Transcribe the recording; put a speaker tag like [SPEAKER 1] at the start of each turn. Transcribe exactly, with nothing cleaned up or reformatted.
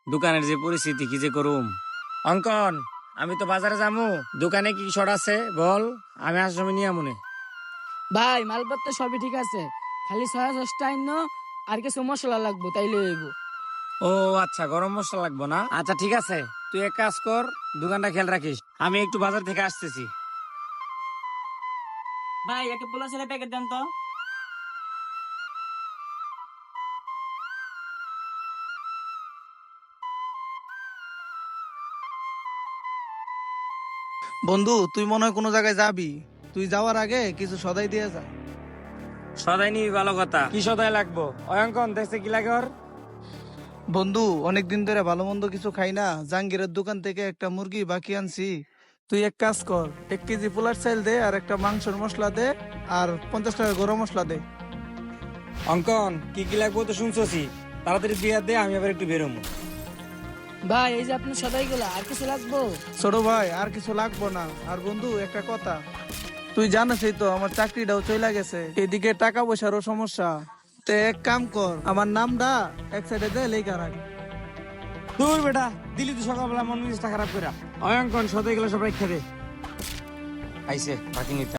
[SPEAKER 1] দোকানের যে পরিস্থিতি কি যে করুম। অঙ্কন, আমি তো বাজারে যামু, দোকানে কি শর্ট আছে বল, আমি আসার সময় নিয়ে আমুনে।
[SPEAKER 2] ভাই মালপত্র সবই ঠিক আছে, খালি ছয়া দশটা আইন আর কিছু মশলা লাগবো তাইলে হইব।
[SPEAKER 1] ও আচ্ছা, গরম মশলা লাগবো না? আচ্ছা ঠিক আছে, তুই এক কাজ কর, দোকানটা খেয়াল রাখিস, আমি একটু বাজার থেকে আসতেছি।
[SPEAKER 3] ভাই একটা পোলা ছেলে প্যাকেট দেন তো।
[SPEAKER 4] বন্ধু, তুই মনে হয় কোনো জায়গায় যাবি, তুই যাওয়ার আগে কিছু সদাই দিয়ে যা।
[SPEAKER 1] সদাই নিবি, ভালো কথা। কি সদাই লাগবো? অঙ্কন দেখছে কি লাগে ওর?
[SPEAKER 4] বন্ধু, অনেকদিন ধরে ভালো মন্দ কিছু খাই না, জাহাঙ্গীরের দোকান থেকে একটা মুরগি বাকি আনছি। তুই এক কাজ কর, এক কেজি পোলার চাল দে, আর একটা মাংসের মশলা দে, আর পঞ্চাশ টাকা গরম মশলা দে।
[SPEAKER 1] অঙ্কন, কি কি লাগবো তো শুনছি, তাড়াতাড়ি দিয়ে দে, আমি আবার একটু বেরোবো।
[SPEAKER 2] ভাই এই যে আপনার সদাই গুলা, আর কিছু লাগবো?
[SPEAKER 4] ছোট ভাই, আর কিছু লাগবো না। আর বন্ধু একটা কথা, তুই জানিসই তো আমার চাকরিটাও চলে গেছে, এদিকে টাকা পয়সারও সমস্যা। তে এক কাম কর, আমার নামটা এক সাইডে দে, লেখা রাখ।
[SPEAKER 1] দূর বেটা, দিলি তুই সকালবেলা মন মেজাজটা খারাপ করে। অঙ্কন, সদাই গেলে সব রেখে দে। আইসে বাকি নিতে।